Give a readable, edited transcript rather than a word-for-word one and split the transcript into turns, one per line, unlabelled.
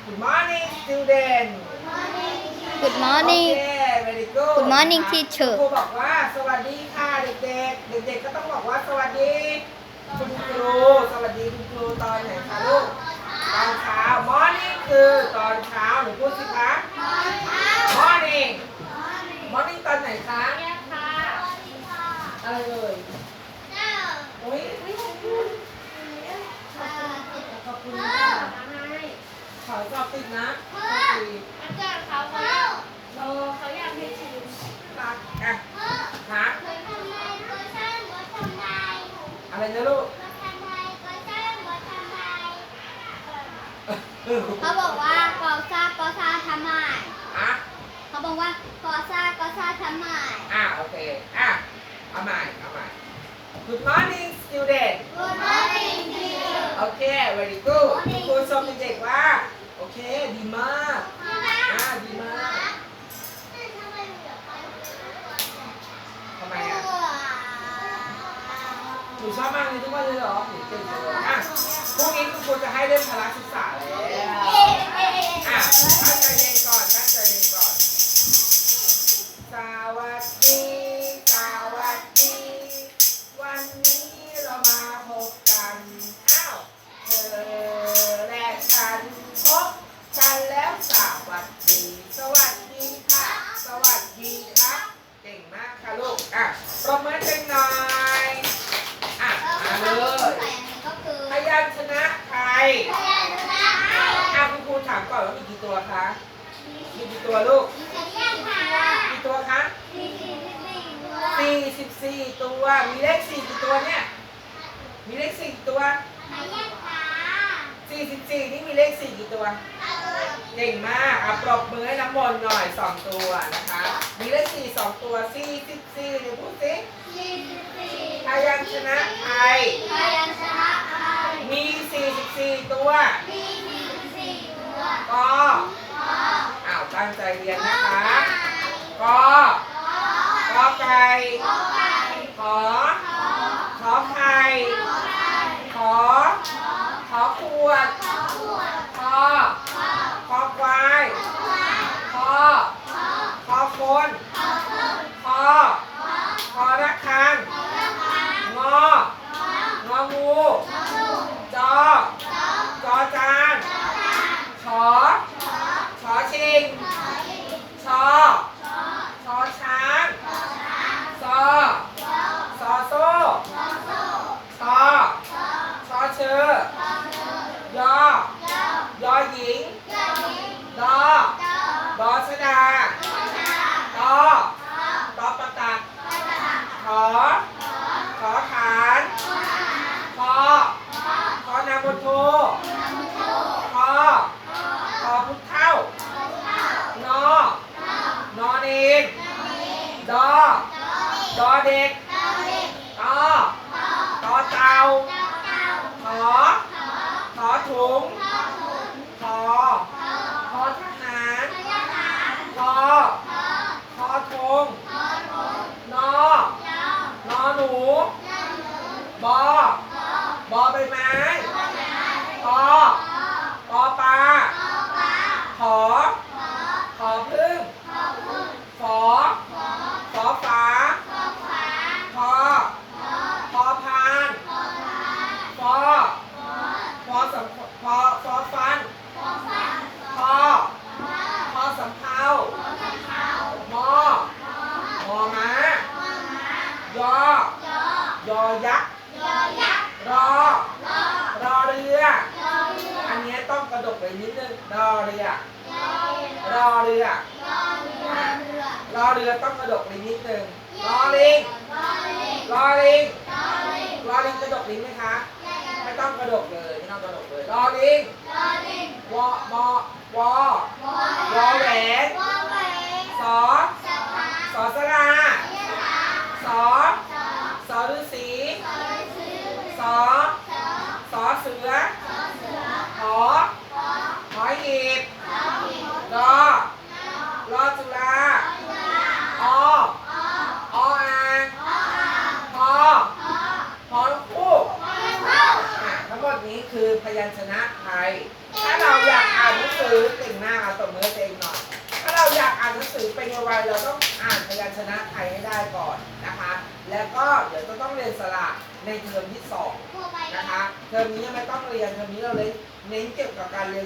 Good morning student
Good morning
Okay very good
Good morning
ครู
teacher
บอกว่าสวัสดีค่ะเด็กๆเด็กๆก็ต้องบอกว่าสวัสดีคุณครูสวัสดีคุณครูตอนไหนคะลูกตอนเช้า morning คือตอนเช้าหนูพูดสิคะ morning morning ตอนไหนคะอะไรเอ่ยโอ้ยขอบคุณค่ะขอสอบติดนะรักอ่ะหาอะไรนะลูก
เขาบอกว่ากอซ่ากอซ่าทำไม
อ่ะ
เขาบอกว่ากอซ่ากอซ่าทำไม
โอเคเอาใหม่Good morning student
Good morning teacher
โอเค very good คุณครูชมเด็กๆว่าโอเคดีมากดีมากทำไมอ่ะหนูชอบมากเลยทุกวันเลยเหรอหนูเก่งจังเลยพรุ่งนี้คุณครูจะให้เล่นพละศึกษาแล้วตั้งใจเรียนก่อนสวัสดีวันนี้เรามาพบกันเธอและฉันพบกันแล้วสวัสดีค่ะเก่งมากค่ะลูกปรบมือเก่งหน่อยมาเลยพยัญชนะไทยคุณครูถามก่อนว่ามีกี่ตัวคะมีกี่ตัวลูกกี่ตัวคะ44 ตัวมีเลข4กี่ตัวเนี่ยมีเลข4กี่ตัว44นี่มีเลข4กี่ตัวเก่งมากปรบมือให้น้ำมนต์หน่อย2ตัวนะคะมีเลข4 2ตัว44เดี๋ยวพูดสิพยัญชนะไทยมี44ตัวก็ตั้งใจเรียนนะคะก็ไก่ขอไข่ขอขวดคอควายคอคนคอระฆังงองูจอจานชอชิงชอช้างซอโซ่ชอเชอยหญิงดอชดาตอประตักขอฐานคอนามโทคอพุทธเท่านอนเองดอเด็กต่อเต่าขอถุงขอทหารคอธงนอหนูบอใบไม้ปอปลาขอพึ่งฝอฝาพอพานฟอฟันพอสำเภามอม้ายอยักษ์รอเรืออันนี้ต้องกระดกไปนิดนึงรอเรือต้องกระดกลิ้นนิดนึงรอลิงกระดกลิ้นไหมคะไม่ต้องกระดกเลยรอลิงวอแหวนสอสลาสอฤาษีสอเสือหอหีบรอจุฬาออ่างพอลูกคู่ทั้งหมดนี้คือพยัญชนะไทยถ้าเราอยากอ่านหนังสือบมือให้ตัวเองหน่อยถ้าเราอยากอ่านหนังสือเป็นไวๆเราต้องอ่านพยัญชนะไทยให้ได้ก่อนนะคะ แล้วก็เดี๋ยวจะต้องเรียนสระในเทอมที่2นะคะเทอมนี้ยังไม่ต้องเรียนเทอมนี้เราเน้นเกี่ยวกับการเรียน